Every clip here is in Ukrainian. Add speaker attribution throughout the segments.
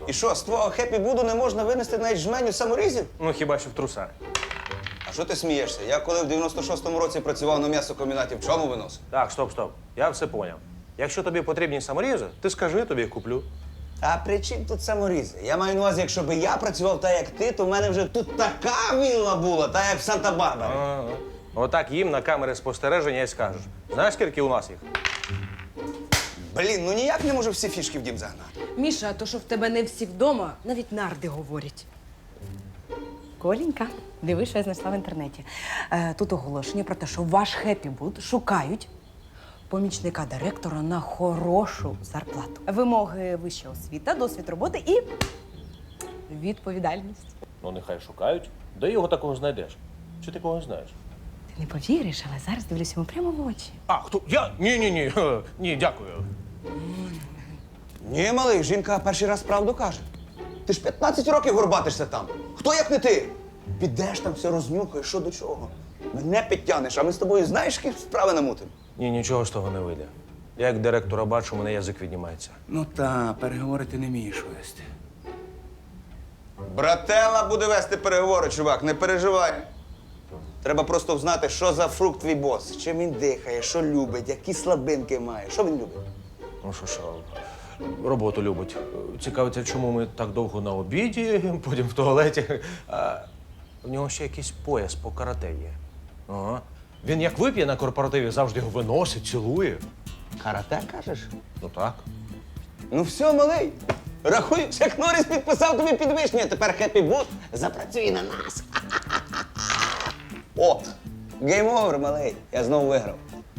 Speaker 1: І що, з твого хеппі-буду не можна винести навіть жменю саморізів?
Speaker 2: Ну, хіба що в трусах.
Speaker 1: А що ти смієшся? Я коли в 96-му році працював на м'ясокомбінаті, в чому виносив?
Speaker 2: Так, стоп. Я все поняв. Якщо тобі потрібні саморізи, ти скажи, тобі їх куплю.
Speaker 1: А при чим тут саморізи? Я маю на увазі, якщо б я працював так, як ти, то в мене вже тут така вілла була, так як в Санта-Барбарі.
Speaker 2: Ага. Отак їм на камери спостереження і скажеш. Знаєш, скільки у нас їх?
Speaker 1: Блін, ну ніяк не можу всі фішки в дім загнати.
Speaker 3: Міша, а то, що в тебе не всі вдома, навіть нарди говорять.
Speaker 4: Коленька, диви, що я знайшла в інтернеті. Тут оголошення про те, що ваш хеппі-буд шукають помічника директора на хорошу зарплату. Вимоги вища освіта, досвід роботи і відповідальність.
Speaker 2: Ну, нехай шукають. Де його такого знайдеш? Чи ти когось знаєш?
Speaker 4: Ти не повіриш, але зараз дивлюся йому прямо в очі.
Speaker 2: А, хто? Я? Ні. Ні, дякую.
Speaker 1: Ні, малий, жінка перший раз правду каже. Ти ж 15 років горбатишся там. Хто як не ти? Підеш там, все рознюхаєш, що до чого. Мене підтягнеш, а ми з тобою знаєш, які справи намутимо?
Speaker 2: Ні, нічого з того не вийде. Я як директора бачу, у мене язик віднімається.
Speaker 1: Ну та, переговори ти не вмієш вести. Брателла буде вести переговори, чувак, не переживай. Треба просто знати, що за фрукт твій бос, чим він дихає, що любить, які слабинки має. Що він любить?
Speaker 2: Ну що, роботу любить. Цікавиться, чому ми так довго на обіді, потім в туалеті. А в нього ще якийсь пояс по карате є. Ага. Він як вип'є на корпоративі, завжди його виносить, цілує.
Speaker 1: Карате, кажеш?
Speaker 2: Ну так.
Speaker 1: Ну все, малий. Рахуй, як Норріс підписав тобі підвищення, тепер хеппі-буд запрацює на нас. О, гейм-овер, малий. Я знову виграв.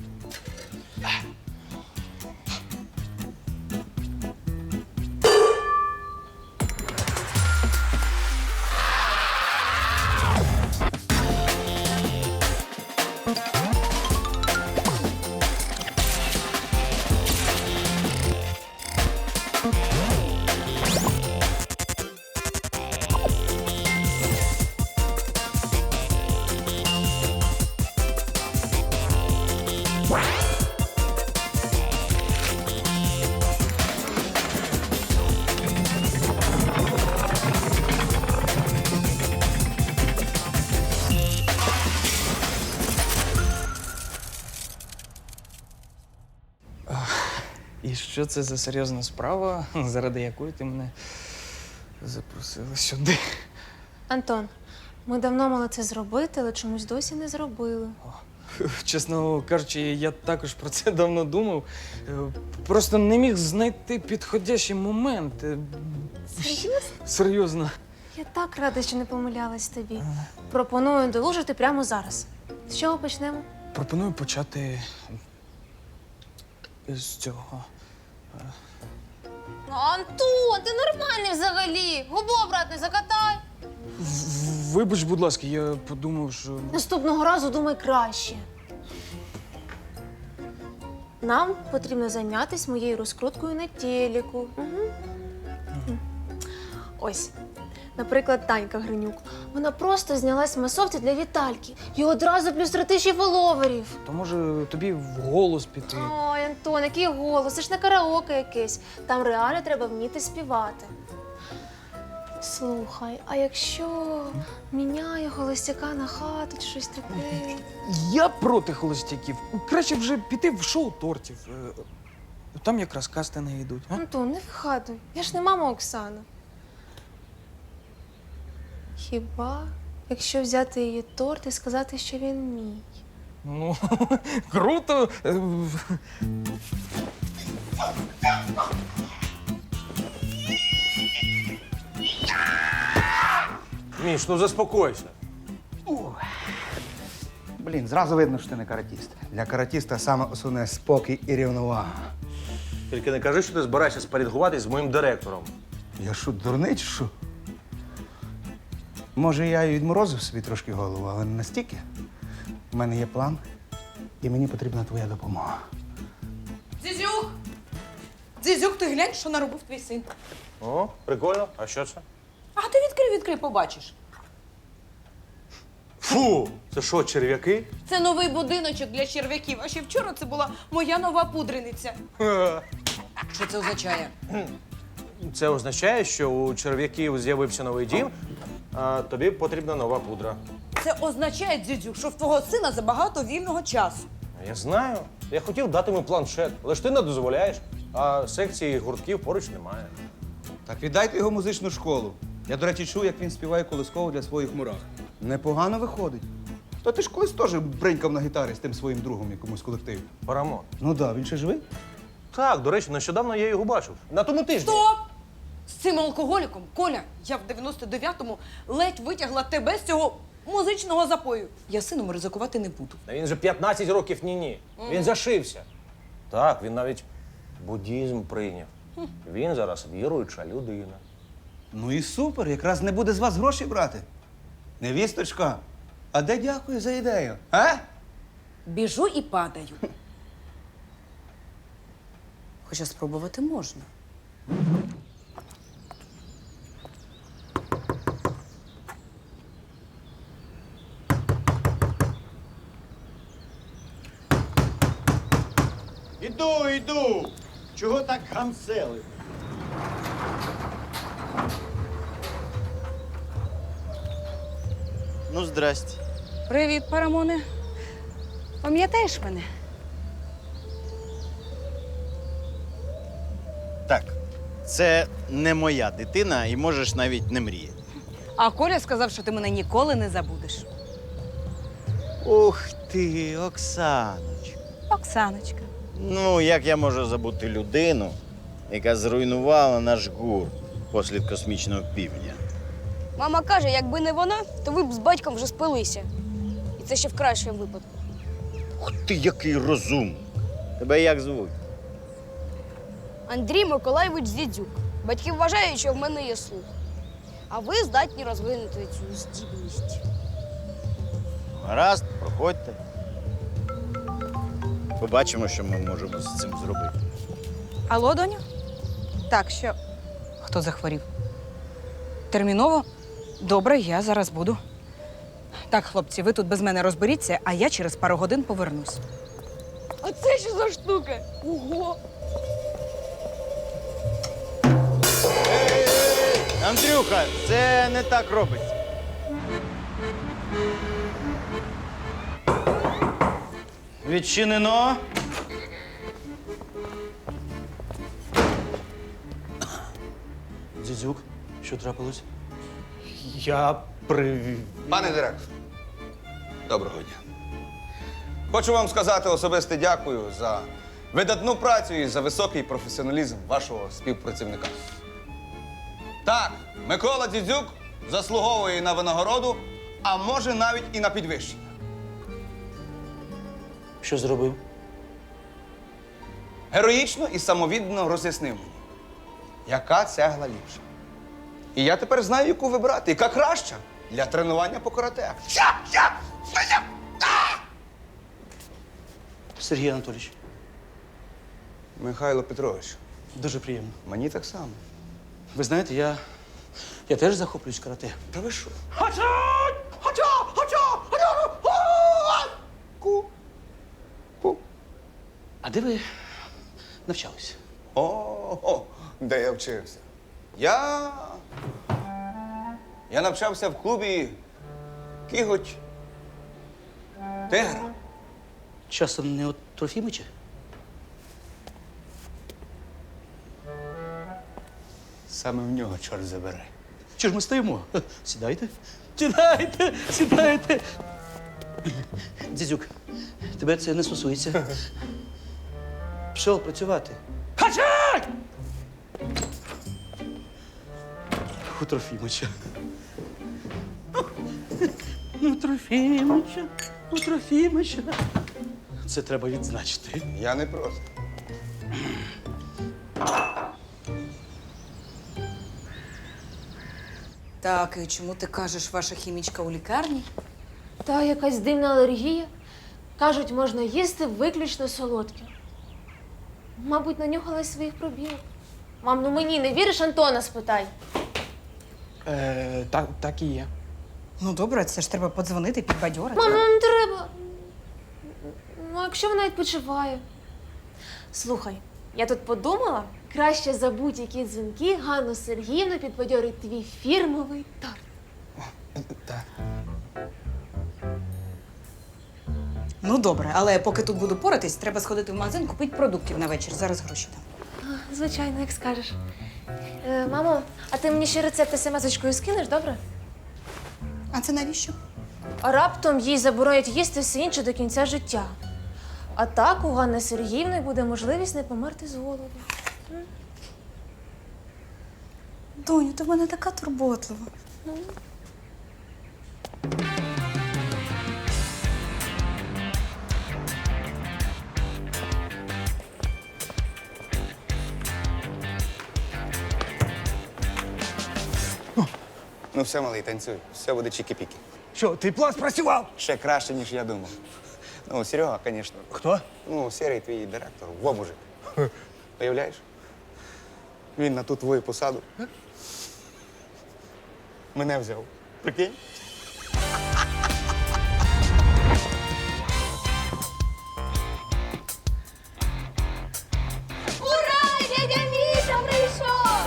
Speaker 5: І що це за серйозна справа, заради якої ти мене запросила сюди?
Speaker 6: Антон, ми давно мали це зробити, але чомусь досі не зробили.
Speaker 5: Чесно кажучи, я також про це давно думав. Просто не міг знайти підходящий момент.
Speaker 6: Серйозно?
Speaker 5: Серйозно.
Speaker 6: Я так рада, що не помилялась тобі. Пропоную долужити прямо зараз. З чого почнемо?
Speaker 5: Пропоную почати з цього.
Speaker 6: Антон, ти нормальний взагалі. Губу обратно закатай.
Speaker 5: Вибач, будь ласка, я подумав, що.
Speaker 6: Наступного разу думай краще. Нам потрібно зайнятися моєю розкруткою на телеку. Угу. Ось, наприклад, Танька Гринюк. Вона просто знялась в масовці для Вітальки. І одразу плюс 3000 фоловерів.
Speaker 5: То може тобі в голос піти?
Speaker 6: Ой, Антон, який голос, це ж не караоке якесь. Там реально треба вміти співати. Слухай, а якщо міняє холостяка на хату чи щось таке?
Speaker 5: Я проти холостяків. Краще вже піти в шоу тортів. Там якраз кастинги йдуть. А?
Speaker 6: Антон, не вигадуй. Я ж не мама Оксана. Хіба, якщо взяти її торт і сказати, що він мій?
Speaker 5: Ну, круто.
Speaker 2: Міш, ну заспокойся.
Speaker 1: Блін, зразу видно, що ти не каратіст. Для каратіста саме основне спокій і рівновага.
Speaker 2: Тільки не кажи, що ти збираєшся спорядкуватись з моїм директором.
Speaker 1: Я що, дурний чи що? Може, я і відморозив собі трошки голову, але не настільки. У мене є план, і мені потрібна твоя допомога.
Speaker 3: Дзізюк! Дзізюк, ти глянь, що наробив твій син.
Speaker 2: О, прикольно. А що це?
Speaker 3: А ти відкрий, побачиш.
Speaker 2: Фу! Це що, черв'яки?
Speaker 3: Це новий будиночок для черв'яків, а ще вчора це була моя нова пудрениця. Що це означає?
Speaker 2: Це означає, що у черв'яків з'явився новий дім, а тобі потрібна нова пудра.
Speaker 4: Це означає, дідю, що в твого сина забагато вільного часу.
Speaker 2: Я знаю. Я хотів дати йому планшет, але ж ти не дозволяєш, а секції гуртків поруч немає.
Speaker 1: Так віддайте його в музичну школу. Я, до речі, чув, як він співає колисково для своїх мурах. Непогано виходить. То ти ж колись теж бринькав на гітарі з тим своїм другом якомусь колективі.
Speaker 2: Парамон.
Speaker 1: Ну так, він ще живий?
Speaker 2: Так, до речі, нещодавно я його бачив. На тому тижні.
Speaker 4: Стоп! З цим алкоголіком, Коля, я в 99-му ледь витягла тебе з цього музичного запою. Я сином ризикувати не буду.
Speaker 2: Та він же 15 років ні-ні. Він зашився. Так, він навіть буддізм прийняв. Він зараз віруюча людина.
Speaker 1: Ну і супер, якраз не буде з вас гроші брати. Невісточка, а де дякую за ідею? А?
Speaker 4: Біжу і падаю. Хоча спробувати можна.
Speaker 7: Іду. Чого так гамсели? Ну, здрасте.
Speaker 4: Привіт, Парамоне. Пам'ятаєш мене?
Speaker 7: Так, це не моя дитина і можеш навіть не мріяти.
Speaker 4: А Коля сказав, що ти мене ніколи не забудеш.
Speaker 7: Ух ти, Оксаночка.
Speaker 4: Оксаночка.
Speaker 7: Ну, як я можу забути людину, яка зруйнувала наш гурт послід космічного півдня?
Speaker 8: Мама каже, якби не вона, то ви б з батьком вже спилися. І це ще в кращому випадку.
Speaker 7: Ух ти, який розум! Тебе як звуть?
Speaker 8: Андрій Миколайович Зідзюк. Батьки вважають, що в мене є слух. А ви здатні розвинути цю здібність.
Speaker 7: Гаразд, проходьте. Побачимо, що ми можемо з цим зробити.
Speaker 4: Алло, доню? Так, що? Хто захворів? Терміново? Добре, я зараз буду. Так, хлопці, ви тут без мене розберіться, а я через пару годин повернусь.
Speaker 8: А це що за штука? Ого!
Speaker 7: Андрюха, це не так робиться. Відчинено.
Speaker 2: Дзідзюк, що трапилось?
Speaker 1: Пане директор, доброго дня. Хочу вам сказати особисте дякую за видатну працю і за високий професіоналізм вашого співпрацівника. Так, Микола Дзідзюк заслуговує на винагороду, а може навіть і на підвищення.
Speaker 2: Що зробив?
Speaker 1: Героїчно і самовіддано роз'яснив мені, яка цегла ліпша. І я тепер знаю, яку вибрати, яка краща для тренування по карате.
Speaker 9: Сергій Анатолійович,
Speaker 1: Михайло Петрович,
Speaker 9: дуже приємно.
Speaker 1: мені так само.
Speaker 9: Ви знаєте, я теж захоплююсь карате.
Speaker 1: Та ви що?
Speaker 9: А де ви навчалися?
Speaker 1: О, де я вчився? Я навчався в клубі Кіготь Тигра.
Speaker 9: Часом не от Трофімича?
Speaker 1: Саме в нього чорт забере.
Speaker 9: Чи ж ми стоїмо? Сідайте. Сідайте. Дзідзюк, тебе це не стосується. Пішов працювати. Хачай! У Трофімича. У Трофімича. Це треба відзначити.
Speaker 1: Я не проти.
Speaker 4: Так, і чому ти кажеш, ваша хімічка у лікарні?
Speaker 6: Та якась дивна алергія. Кажуть, можна їсти виключно солодке. Мабуть, нанюхалась своїх пробірок. Мам, ну мені не віриш, Антона спитай.
Speaker 5: Так і є.
Speaker 4: Ну добре, це ж треба подзвонити, підбадьорити.
Speaker 6: Мам, ну не треба. Ну, а якщо вона відпочиває. Слухай, Я тут подумала, краще за будь-які дзвінки Ганну Сергіївну підбадьорить твій фірмовий торт.
Speaker 5: Так.
Speaker 4: Ну добре, але поки тут буду поратись, треба сходити в магазин, купити продуктів на вечір. Зараз гроші дам.
Speaker 6: Звичайно, як скажеш. Мамо, а ти мені ще рецепти смс-очкою скинеш, добре?
Speaker 4: А це навіщо?
Speaker 6: А раптом їй заборонять їсти все інше до кінця життя. А так у Ганни Сергіївни буде можливість не померти з голоду.
Speaker 4: Доню, ти в мене така турботлива.
Speaker 1: Ну все, малий, танцюй. Все буде чікі-пікі.
Speaker 2: Що, твій план спрацював?
Speaker 1: Ще краще, ніж я думав. Ну, Серега, звісно.
Speaker 2: Хто?
Speaker 1: Ну, Серий твій директор, во мужик. Уявляєш? Він на ту твою посаду. Мене взяв. Прикинь?
Speaker 6: Ура! Дядя Міша прийшов!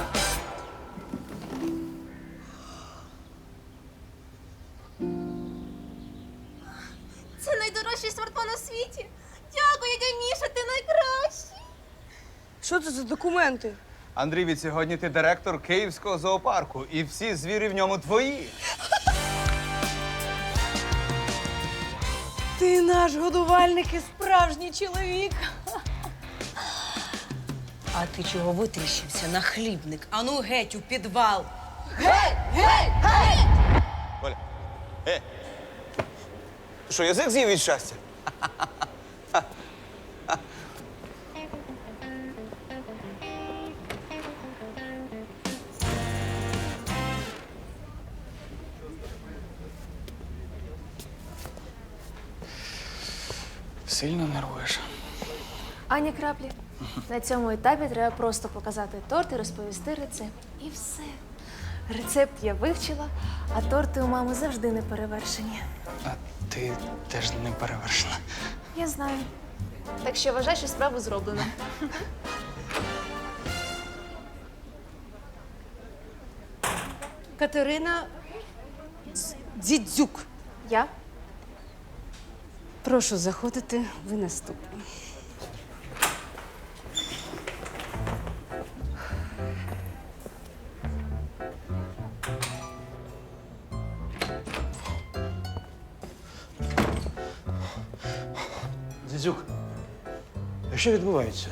Speaker 6: Це найдорожчий смартфон у світі. Дякую, дядя Міша, ти найкращий.
Speaker 8: Що це за документи?
Speaker 1: Андрій, від сьогодні ти директор Київського зоопарку, і всі звірі в ньому твої.
Speaker 4: Ти наш годувальник і справжній чоловік. А ти чого витріщився на хлібник? Ану геть у підвал.
Speaker 1: Оля, ти що, язик з'їв від щастя?
Speaker 5: Сильно нервуєш.
Speaker 6: Ані краплі. На цьому етапі треба просто показати торт і розповісти рецепт. І все. Рецепт я вивчила, а торти у мами завжди не перевершені.
Speaker 5: А ти теж не перевершена.
Speaker 6: Я знаю. Так що вважай, що справу зроблено.
Speaker 4: Катерина Дзідзюк.
Speaker 6: Я?
Speaker 8: Прошу заходити, ви наступні.
Speaker 2: Дзідзюк, а що відбувається?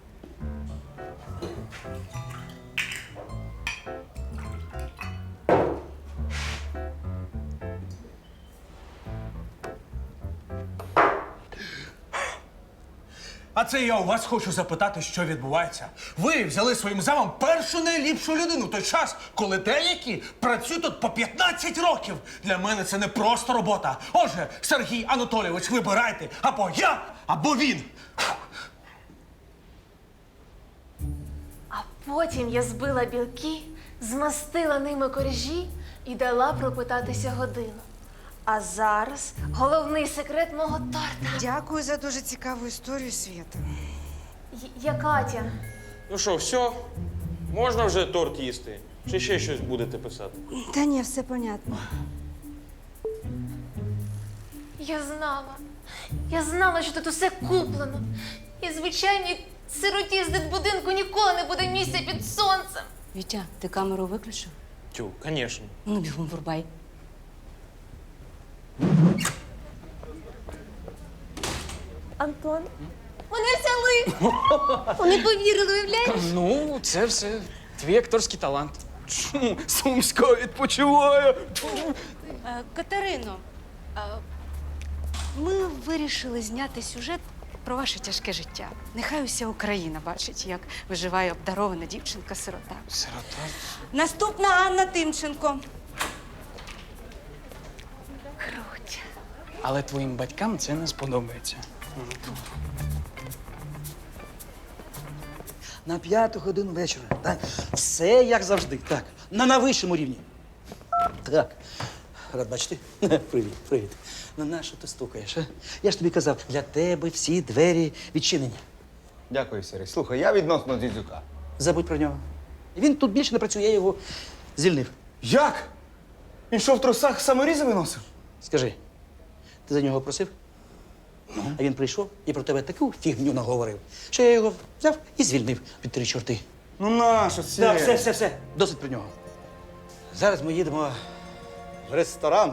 Speaker 10: А це я у вас хочу запитати, що відбувається. Ви взяли своїм замом першу найліпшу людину в той час, коли деякі працюють тут по 15 років. Для мене це не просто робота. Отже, Сергій Анатолійович, вибирайте або я, або він.
Speaker 6: А потім я збила білки, змастила ними коржі і дала пропитатися годину. А зараз головний секрет мого торта.
Speaker 8: Дякую за дуже цікаву історію, Свята.
Speaker 6: Я Катя.
Speaker 11: Ну що, все? Можна вже торт їсти? Чи ще щось будете писати?
Speaker 8: Та ні, все понятно.
Speaker 6: Я знала. Я знала, що тут усе куплено. І звичайній сироті з дитбудинку ніколи не буде місця під сонцем.
Speaker 8: Вітя, ти камеру виключив?
Speaker 11: Тю, звісно.
Speaker 8: Ну, бігом врубай.
Speaker 6: Антон, мене взяли. Вони повірили, уявляєш?
Speaker 5: Ну, це все твій акторський талант. Чому Сумська відпочиває?
Speaker 8: Катерино, ми вирішили зняти сюжет про ваше тяжке життя. Нехай уся Україна бачить, як виживає обдарована дівчинка-сирота.
Speaker 5: Сирота.
Speaker 4: Наступна Анна Тимченко.
Speaker 6: Круть.
Speaker 5: Але твоїм батькам це не сподобається.
Speaker 9: На 5 годину вечора. Так. Все як завжди. Так. На найвищому рівні. Так. Рад бачити. Привіт, привіт. Ну, на що ти стукаєш? А? Я ж тобі казав, для тебе всі двері відчинені.
Speaker 1: Дякую, Сергій. Слухай, я відносно Дзідзюка.
Speaker 9: Забудь про нього. Він тут більше не працює, я його звільнив.
Speaker 1: Як? Він що, в трусах саморізами носив?
Speaker 9: Скажи, ти за нього просив? А він прийшов і про тебе таку фігню наговорив, що я його взяв і звільнив від 3 чорти.
Speaker 1: Ну нащо це?
Speaker 9: Так, все. Досить про нього. Зараз ми їдемо в ресторан.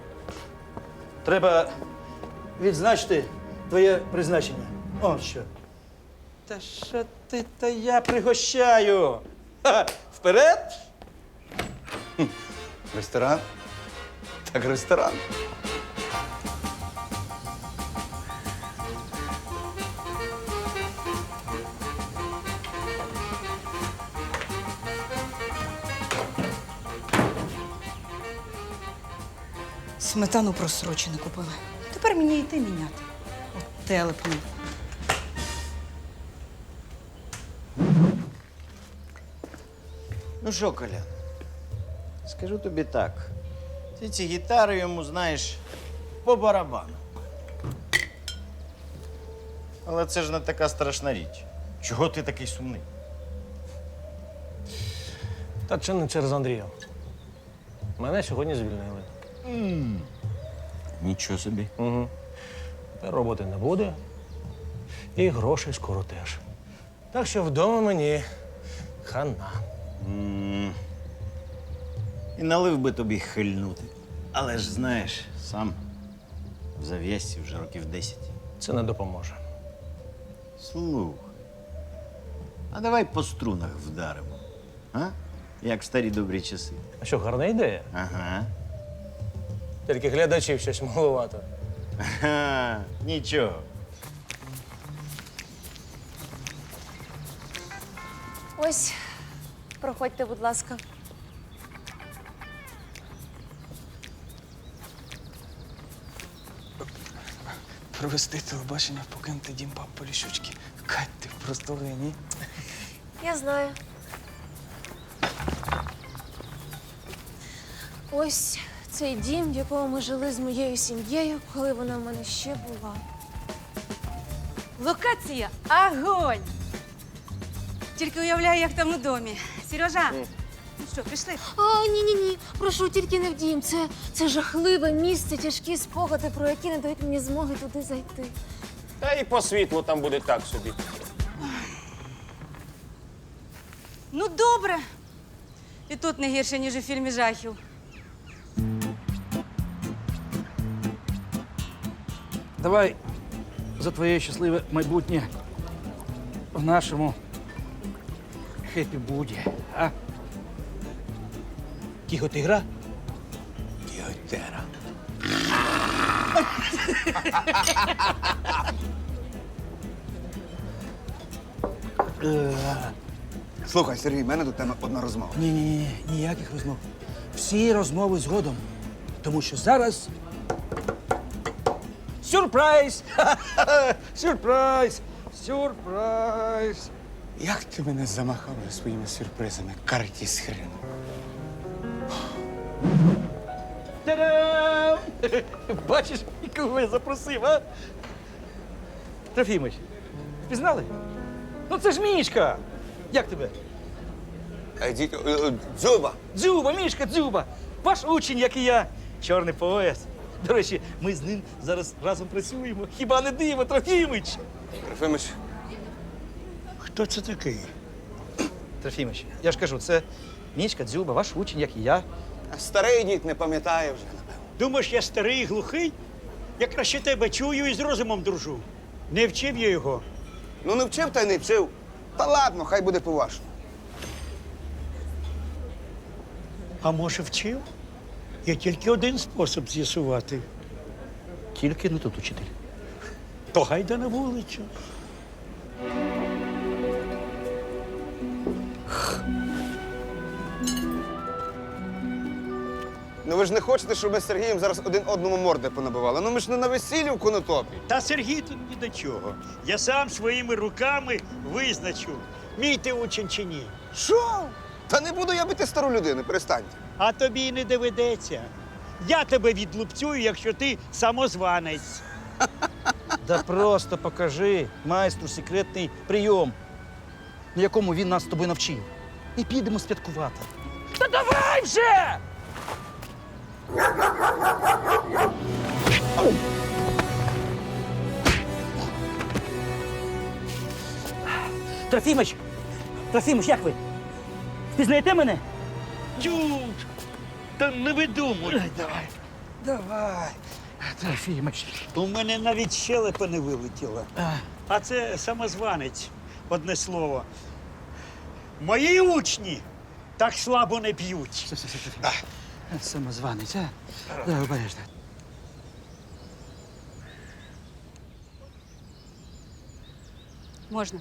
Speaker 9: Треба відзначити твоє призначення. О, що. Та що ти, та я пригощаю. Ха, вперед!
Speaker 1: Ресторан? Так ресторан.
Speaker 4: Сметану просрочену купили. Тепер мені йти міняти. От телепні.
Speaker 7: Ну що, Колян, скажу тобі так. Ти ці гітари йому, знаєш, по барабану. Але це ж не така страшна річ. Чого ти такий сумний?
Speaker 2: Та чи не через Андрія? Мене сьогодні звільнили.
Speaker 7: Нічого собі.
Speaker 2: Угу. Та роботи не буде. І грошей скоро теж. Так що вдома мені хана.
Speaker 7: І налив би тобі хильнути. Але ж знаєш, сам в зав'язці вже років 10.
Speaker 2: Це не допоможе.
Speaker 7: Слухай, а давай по струнах вдаримо. А? Як в старі добрі часи.
Speaker 2: А що, гарна ідея?
Speaker 7: Ага.
Speaker 2: Тільки глядачів щось маловато.
Speaker 7: Ага, нічого.
Speaker 6: Ось, проходьте, будь ласка.
Speaker 5: Провести телебачення, покинути дім пап Поліщучки. Кать, ти просто геній.
Speaker 6: Я знаю. Ось цей дім, в якому ми жили з моєю сім'єю, коли вона в мене ще була.
Speaker 8: Локація огонь! Тільки уявляю, як там у домі. Сережа, ну що, пішли?
Speaker 6: А, ні. Прошу, тільки не в дім. Це жахливе місце, тяжкі спогади, про які не дають мені змоги туди зайти.
Speaker 11: Та і по світлу там буде так собі.
Speaker 8: Ну, добре. І тут не гірше, ніж у фільмі жахів.
Speaker 9: Давай за твоє щасливе майбутнє в нашому хеппі-буді, а? Кіготигра? Кіготера.
Speaker 1: Слухай, Сергій, в мене до тебе одна розмова.
Speaker 9: Ні, ніяких розмов. Всі розмови згодом. Тому що зараз сюрприз! Сюрприз! Сюрприз!
Speaker 1: Як ти мене замахав вже своїми сюрпризами, картіс хрену?
Speaker 9: Та-дам! Бачиш, кого я запросив, а? Трофімич, пізнали? Ну це ж Мішка! Як тебе?
Speaker 1: Дзюба!
Speaker 9: Дзюба, Мішка, Дзюба! Ваш учень, як і я. Чорний пояс. До речі, ми з ним зараз разом працюємо. Хіба не диво, Трофімич?
Speaker 1: Трофимич,
Speaker 9: Хто це такий? Трофімич, я ж кажу, це Мішка, Дзюба, ваш учень, як і я.
Speaker 1: старий дід не пам'ятає вже, напевно.
Speaker 12: Думаєш, я старий і глухий? Я краще тебе чую і з розумом дружу. Не вчив я його.
Speaker 1: Ну не вчив та й не вчив. Та ладно, хай буде по-вашому.
Speaker 12: А може вчив? Є тільки один спосіб з'ясувати.
Speaker 9: Тільки не тут учитель.
Speaker 12: То гайда на вулицю.
Speaker 1: Ну ви ж не хочете, щоб ми з Сергієм зараз один одному морди понабивали? Ну ми ж не на весіллі в конотопі.
Speaker 12: Та Сергій тут ні до чого. Я сам своїми руками визначу, мій ти учень чи ні.
Speaker 1: Що? Та не буду я бити стару людину, перестаньте.
Speaker 12: А тобі й не доведеться. Я тебе відлупцюю, якщо ти самозванець.
Speaker 9: Да просто покажи майстру секретний прийом, на якому він нас з тобою навчив. І підемо святкувати. Та давай вже! Трофімич! Трофімич, як ви? Впізнаєте мене?
Speaker 12: Тю, та не видумуй.
Speaker 9: Давай. Давай. Трофімич.
Speaker 12: У мене навіть щелепа не вилетіла. А це самозванець, одне слово. Мої учні так слабо не п'ють.
Speaker 9: Самозванець, а? Давай, обережно.
Speaker 8: Можна.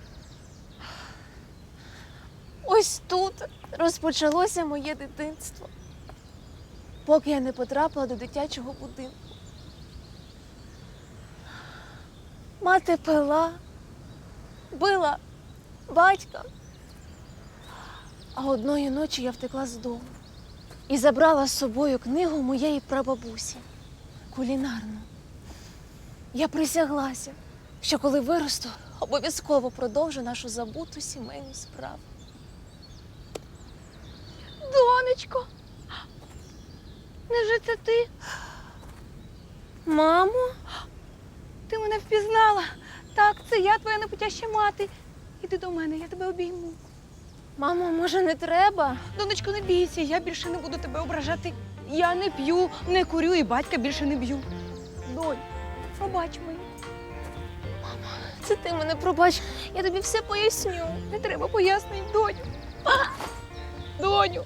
Speaker 6: Ось тут розпочалося моє дитинство, поки я не потрапила до дитячого будинку. Мати пила, била батька. А одної ночі я втекла з дому і забрала з собою книгу моєї прабабусі кулінарну. Я присяглася, що коли виросту, обов'язково продовжу нашу забуту сімейну справу. Донечко, невже це ти? Мамо?
Speaker 8: Ти мене впізнала. Так, це я, твоя непотяща мати. Іди до мене, я тебе обійму.
Speaker 6: Мамо, може, не треба?
Speaker 8: Донечко, не бійся, я більше не буду тебе ображати. Я не п'ю, не курю і батька більше не б'ю. Донь, пробач мені.
Speaker 6: Це ти мене пробач, я тобі все поясню.
Speaker 8: Не треба пояснень, доню. Доню.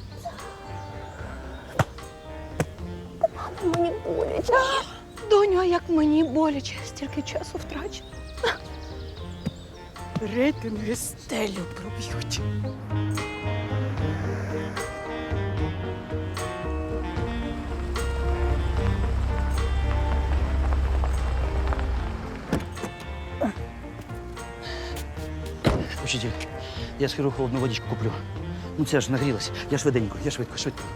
Speaker 6: Мамо, мені боляче.
Speaker 8: Доню, а як мені боляче, стільки часу втрачено. Рейтинги стелю проб'ють.
Speaker 9: Учитель, я схеру холодну водичку куплю. Ну це ж нагрілась. Я швиденько, я швидко.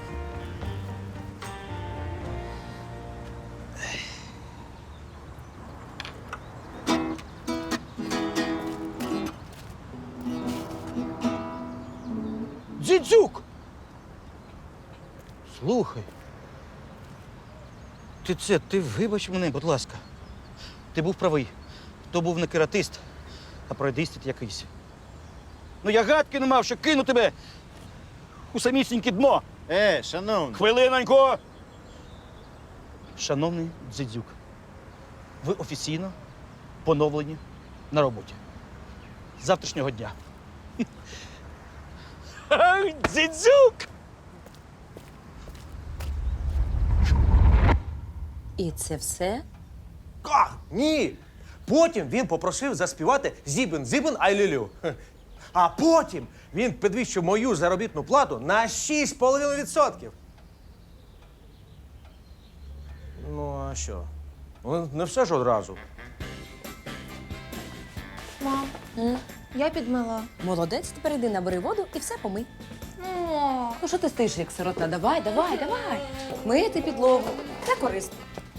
Speaker 9: Дзідзюк! Слухай. Ти вибач мене, будь ласка. Ти був правий. То був не кератист, а пройдистит якийсь. Ну я гадки не мав, що кину тебе у самісіньке дно.
Speaker 7: Шановний.
Speaker 9: Хвилиноньку! Шановний Дзидзюк, ви офіційно поновлені на роботі. З завтрашнього дня. Дзидзюк!
Speaker 4: І це все?
Speaker 2: Ні. Потім він попросив заспівати «Зібен-зібен ай-лю-лю». А потім він підвищив мою заробітну плату на 6,5%. Ну, а що? Ну, не все ж одразу.
Speaker 6: Мам, я підмила.
Speaker 4: Молодець, тепер іди набери воду і все помий.
Speaker 6: О,
Speaker 4: Ну що ти стоїш, як сирота? Давай. Мити підлогу. Це корисно.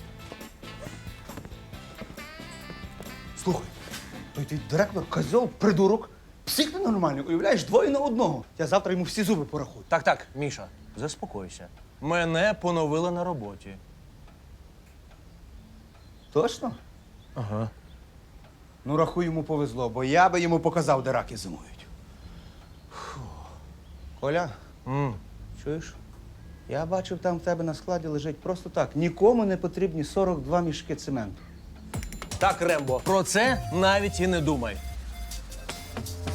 Speaker 1: Слухай, той твій директор козьол, придурок, псих ненормальний, уявляєш, 2 на 1. Я завтра йому всі зуби порахую.
Speaker 2: Так, Міша, заспокойся. Мене поновили на роботі.
Speaker 1: Точно?
Speaker 2: Ага.
Speaker 1: Ну, рахуй, йому повезло, бо я би йому показав, де раки зимують. Фу. Коля, чуєш? Я бачив, там в тебе на складі лежить просто так. Нікому не потрібні 42 мішки цементу.
Speaker 2: Так, Рембо, про це навіть і не думай.